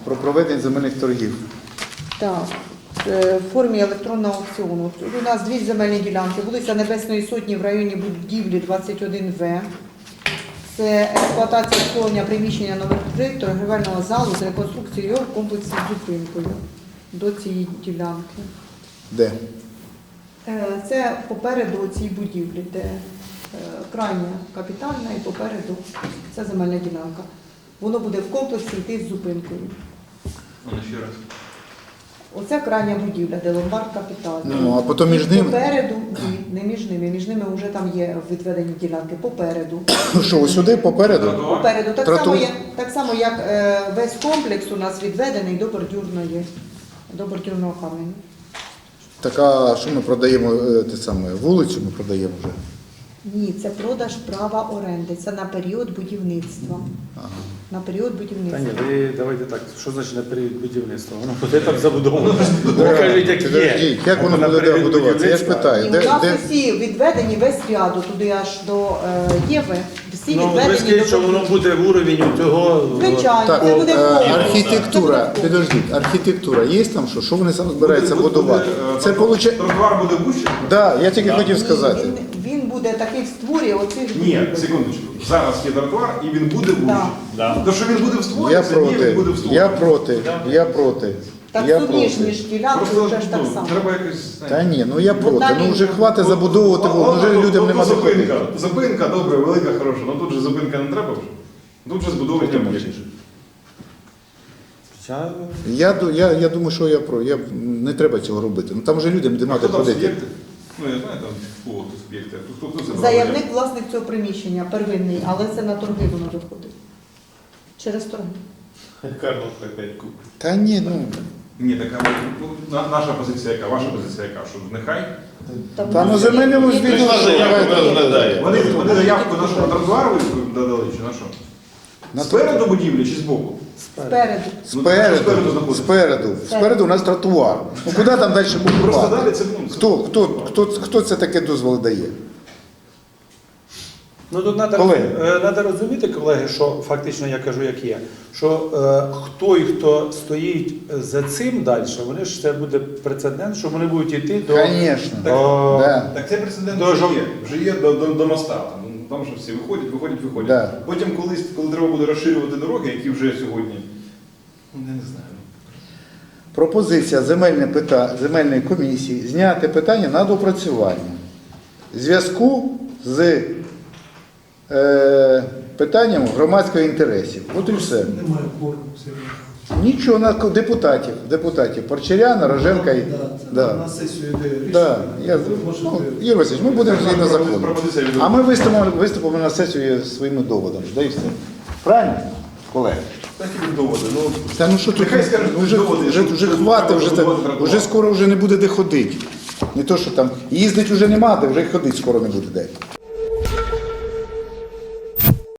про проведення земельних торгів. Так, в формі електронного аукціону. Тут у нас дві земельні ділянки. Вулиця Небесної Сотні в районі будівлі 21В. Це експлуатація обслуговування приміщення номер 3 торгівельного залу з реконструкцією його в комплексі з зупинкою до цієї ділянки. Де? Це попереду цієї будівлі, де крайня капітальна і попереду ця земельна ділянка. Воно буде в комплексі йти з зупинкою. Ще раз. Оце крайня будівля, де ломбард капітальний. Ну, а потім між ними? Попереду, ні, не між ними вже там є відведені ділянки. Попереду. Що, ось сюди, попереду? Попереду. Тротуар. Так само, як весь комплекс у нас відведений до бордюрного каменю. Так, а що ми продаємо, те саме, вулицю ми продаємо вже? Ні, це продаж права оренди. Це на період будівництва. Ага. На період Та будівництва. ні, ви давайте так, що значить на період будівництва? Воно буде там забудовано. Покажіть, як є. Підождіть, як воно На буде період будуватися? Я ж будівництва. питаю, І у де, нас де? усі відведені весь ряду, туди аж до Єви. Всі Ну, ви відведені скажіть, що воно буде в уровні цього. Звичайно, Так, це буде повністю. архітектура, Це буде підождіть, архітектура є там що? Що вони сам збираються будувати? Це получає... Тротуар буде вущий? Так, я тільки хотів Ні, сказати. він буде такий в створі оцих Ні, секундочку. Зараз є тротуар і він буде вущий. Да. То, що він буде в створі, Я це ні, він буде проти, в створі. я проти. Так Я суміжні ж проти. ділянки Просто вже ж так ну, само. треба якось... Та ні, ну я проти. Одна Ну вже лінія. хватить забудовувати, ну вже людям нема зупинка. заходити. Зупинка, добре, велика, хороша. Ну тут же зупинка не треба вже. Тут же збудовують об'єкт. Я думаю, що не треба цього робити. Ну там вже людям А нема хто де там ходити. суб'єкти? Ну, я знаю, там кого тут суб'єкти. Хто це Заявник власник цього приміщення первинний, але це на торги воно виходить. Через торги. Карло опять купить. Та ні, ну. Ні, така наша позиція яка, ваша позиція яка, що нехай. Та на земельному звіту Вони заявку на що, на тротуар ви додали чи на що? Спереду будівлі чи збоку? Спереду. Спереду у нас тротуар. Ну куди там далі Просто далі будувати? це ну, Хто це таке дозволи дає? Ну тут треба розуміти, колеги, що фактично я кажу, як є, що хто стоїть за цим далі, вони ж це буде прецедент, що вони будуть йти до... Звісно. Так, так це прецедент вже є до моста. Там що всі виходять. Да. Потім, коли треба буде розширювати дороги, які вже сьогодні, ну я не знаю. Пропозиція земельної комісії зняти питання на допрацювання. В зв'язку з питанням громадського інтересів. От і все. Немає форму. Нічого, на депутатів Порчаряна, Роженка і... Да. На сесію йде рішення. Да. Можете... Ігор Васильович, ми будемо згідно закону. Пропозиція від- А ми виступимо на сесію своїми доводами. Да і все. Правильно, колеги? Так і доводи. Ну, Та ну що тут, нехай скажуть, вже доводи, що хватить, треба будувати тротуар. вже скоро вже не буде де ходити. Не то, що там їздить вже нема, де вже й ходити скоро не буде де.